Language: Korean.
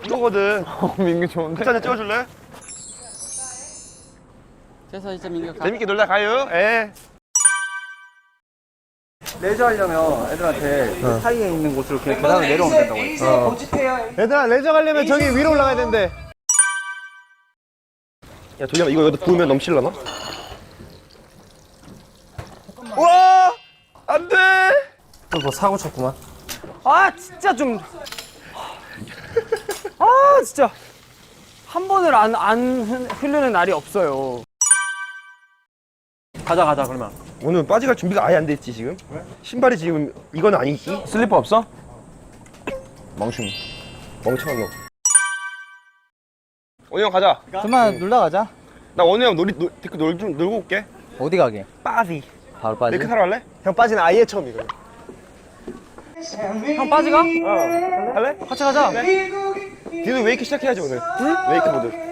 이거거든. 민규 좋은데? 한잔 찍어줄래? 그래서 이제 민규 가. 재밌게 놀다 가요. 예. 레저 하려면 애들한테 그 사이에 있는 곳으로 그냥 계단을 내려오면 된다고 했어. 얘들아 레저 가려면 저기 위로 올라가야 된대. 야, 도겸아, 이거 여기다 부으면 넘칠라나? 와! 안 돼! 뭐 사고 쳤구만. 아 진짜 좀. 아 진짜 한 번을 안 흐르는 날이 없어요. 가자 그러면. 오늘 빠지갈 준비가 아예 안 돼 있지, 지금? 왜? 신발이 지금 이건 아니지? 슬리퍼 없어? 멍충이. 멍청한 놈. 원희 형 가자. 그만 놀러 가자. 나 원희 형 데크 놀고 올게. 어디 가게? 빠지. 바로 빠지. 데크 타러 갈래? 형 빠지는 아예 처음이거든. 형 빠지가? 할래? 같이 가자. 뒤도 웨이크 시작해야지, 오늘. 응? 웨이크보드.